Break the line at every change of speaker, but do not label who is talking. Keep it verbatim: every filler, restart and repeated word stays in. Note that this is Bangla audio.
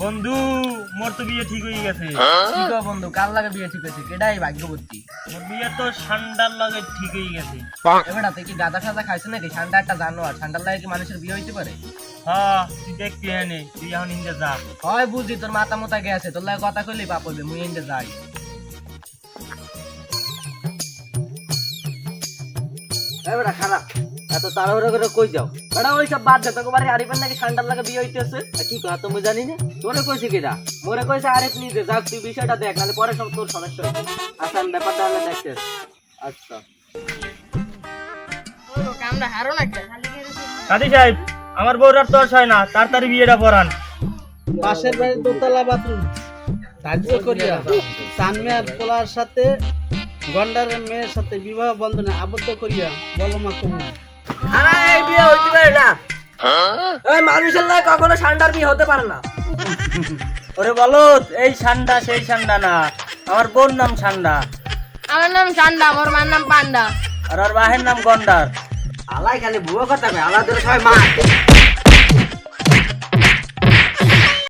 বন্ধু মোর তো বিয়ে ঠিক হয়ে গেছে।
কি গো বন্ধু, কার লাগে বিয়ে ঠিক হয়েছে? কেডাই ভাগ্যবতী?
মোর বিয়ে তো ঠান্ডার লাগে ঠিক হয়ে গেছে।
এবারে তুই কি গাঁদা সাদা খাইছ নাকি? ঠান্ডা একটা জানোয়ার, ঠান্ডার লাগে কি মানুষের বিয়ে হইতে পারে?
হ্যাঁ তুই দেখবি এনে, তুই এখন ইন্দে যা।
হয় বুঝি, তোর মাথা মোতা গেছে, তোর লাগে কথা কইলেই পাপ হইবে, মুই এন্ডে যাই। এবারে খারাপ এত তাড়াহুড়ো করে কই যাও? বেটা ওই সব বাদ দে, তোকে বাড়ি আরিফের নাকি ঠান্ডার লাগে বিয়ে হইতেছে। কি কথা তুমি জানি না? তোরে কইছে কিরা? মোরে কইছে আরিফ নিজে। যাক তুই বিষয়টা দেখ, নাহলে পরে সব তোর সমস্যা হবে। আচ্ছা আমি ব্যাপারটা হলে দেখতে। আচ্ছা
কামরা হারো না কে?
কাদি সাহেব, আমার বউর আর তর্স হয় না, তাড়াতাড়ি বিয়েটা পড়ান।
পাশের বাড়ির দোতলা বাথরুম ধার্য করিয়া সানমিয়ার পোলার সাথে গন্ডারের মেয়ের সাথে বিবাহ বন্ধনে আবদ্ধ করিয়া বলো মা কবুল।
আরে এই বিয়ে হইতে পারে না। এই মানুষের লাগে কখনো ঠান্ডার বিয়ে হতে পারে না।
ওরে বলো, এই ঠান্ডা সেই ঠান্ডা না, আমার বোন নাম ঠান্ডা,
আমার নাম চান্দা, আমার মার নাম পান্ডা।
আর ওর বাহের নাম গন্ডার।
আলাই খালি ভুয়ো কথা কয়, আলাদা সবাই মা।